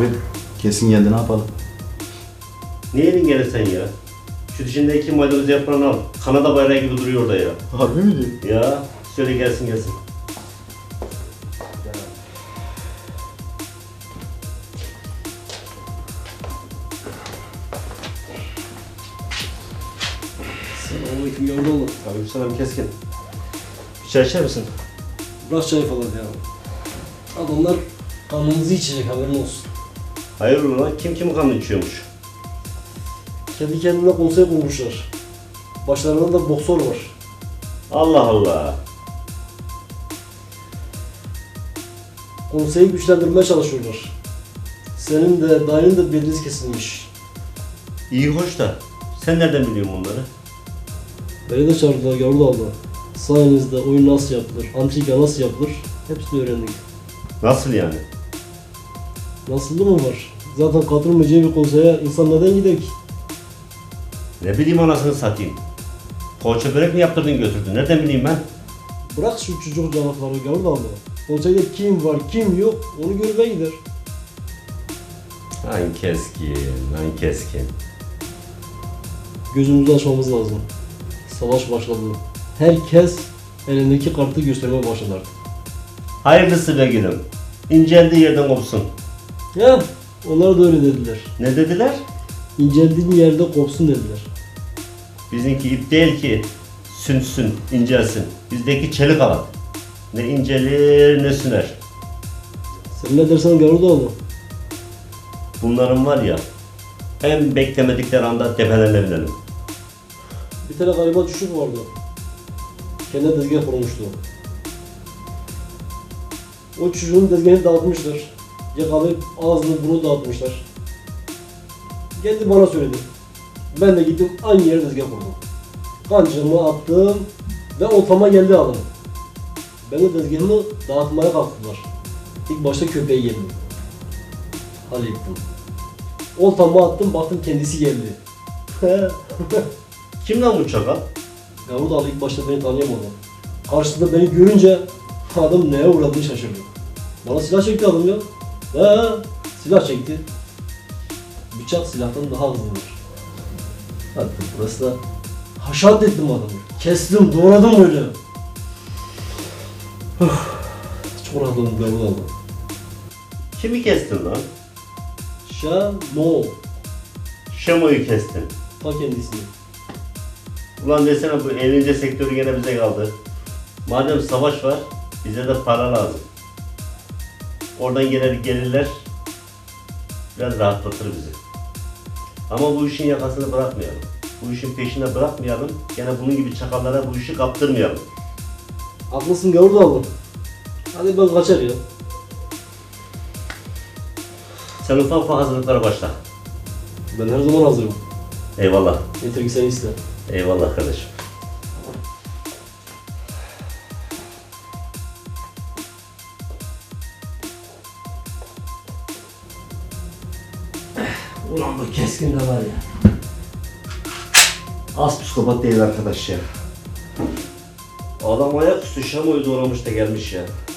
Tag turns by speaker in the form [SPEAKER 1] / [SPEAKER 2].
[SPEAKER 1] Abi kesin geldi, ne yapalım?
[SPEAKER 2] Niye elin gene sen ya? Şu dişindeki maydanozu yaprağını al. Kanada bayrağı gibi duruyor orada ya.
[SPEAKER 1] Harbi mi diyorsun?
[SPEAKER 2] Ya söyle gelsin gelsin.
[SPEAKER 3] Selamünaleyküm yavrum.
[SPEAKER 2] Aleykümselam keskin. Bir çay içer misin?
[SPEAKER 3] Bırak çay falan ya. Adamlar kanımızı içecek, haberin olsun.
[SPEAKER 2] Hayırdır lan, kim kimin kanını içiyormuş?
[SPEAKER 3] Kendi kendine konsey kurmuşlar. Başlarında da boksör var.
[SPEAKER 2] Allah Allah.
[SPEAKER 3] Konseyi güçlendirmeye çalışıyorlar. Senin de dayının da beliniz kesilmiş.
[SPEAKER 2] İyi hoş da sen nereden biliyorsun bunları?
[SPEAKER 3] Beni de çağırdılar Gavurlu abla. Sayenizde oyun nasıl yapılır, antrika nasıl yapılır hepsini öğrendik.
[SPEAKER 2] Nasıl yani?
[SPEAKER 3] Nasıldı mı var? Zaten katılmayacağı bir konseye insan neden gider ki?
[SPEAKER 2] Ne bileyim anasını satayım. Poğaça börek mi yaptırdın götürdün? Nereden bileyim ben?
[SPEAKER 3] Bırak şu çocuk cevapları Gavurlu abla. Konseyde kim var kim yok onu görmeye gider.
[SPEAKER 2] Lan keskin, lan keskin.
[SPEAKER 3] Gözümüzü açmamız lazım. Savaş başladı. Herkes elindeki kartı göstermeye başladı artık.
[SPEAKER 2] Hayırlısı be gülüm. İnceldiği yerden kopsun.
[SPEAKER 3] Ya onlar da öyle dediler.
[SPEAKER 2] Ne dediler?
[SPEAKER 3] İnceldiğin yerde kopsun dediler.
[SPEAKER 2] Bizimki ip değil ki sünsün, incelsin. Bizdeki çelik alat. Ne incelir ne süner.
[SPEAKER 3] Sen ne dersen Garudaoğlu.
[SPEAKER 2] Bunların var ya, en beklemedikleri anda tepelerine binelim.
[SPEAKER 3] Bir tane gariban çocuk vardı. Kendine tezgah kurmuştu. O çocuğun tezgahını dağıtmışlar. Yakalayıp ağzını bunu dağıtmışlar. Geldi bana söyledi. Ben de gittim aynı yere tezgah kurdum. Kancamı attım ve oltama geldi adam. Ben de tezgahımı dağıtmaya kalktılar. İlk başta köpeği yedim. Hallettim. Oltamı attım, baktım kendisi geldi.
[SPEAKER 2] Kim lan bu çakal?
[SPEAKER 3] Garudalı ilk başta beni tanıyamadı. Karşısında beni görünce adam neye uğradığını şaşırdı. Bana silah çekti adam ya. Silah çekti. Bıçak silahtan daha hızlıdır. Hatta burası da haşat ettim adamı. Kestim, doğradım böyle. Çok rahatladım Garudalı.
[SPEAKER 2] Kimi kestin lan?
[SPEAKER 3] Şamo.
[SPEAKER 2] Şemo'yu kestin.
[SPEAKER 3] Ta kendisini.
[SPEAKER 2] Ulan desene bu eğlence sektörü gene bize kaldı. Madem savaş var, bize de para lazım. Oradan gelirler, biraz rahatlatır bizi. Ama bu işin yakasını bırakmayalım. Bu işin peşine bırakmayalım. Gene bunun gibi çakallara bu işi kaptırmayalım.
[SPEAKER 3] Haklısın Garudalı. Hadi ben kaçar ya.
[SPEAKER 2] Sen ufak ufak hazırlıklara başla.
[SPEAKER 3] Ben her zaman hazırım.
[SPEAKER 2] Eyvallah.
[SPEAKER 3] Yeter ki sen iste.
[SPEAKER 2] Eyvallah kardeşim.
[SPEAKER 3] Ulan bu keskin de var ya.
[SPEAKER 2] Az psikopat değil arkadaş ya. Adam ayaküstü Şamo'yu doğramış da gelmiş ya.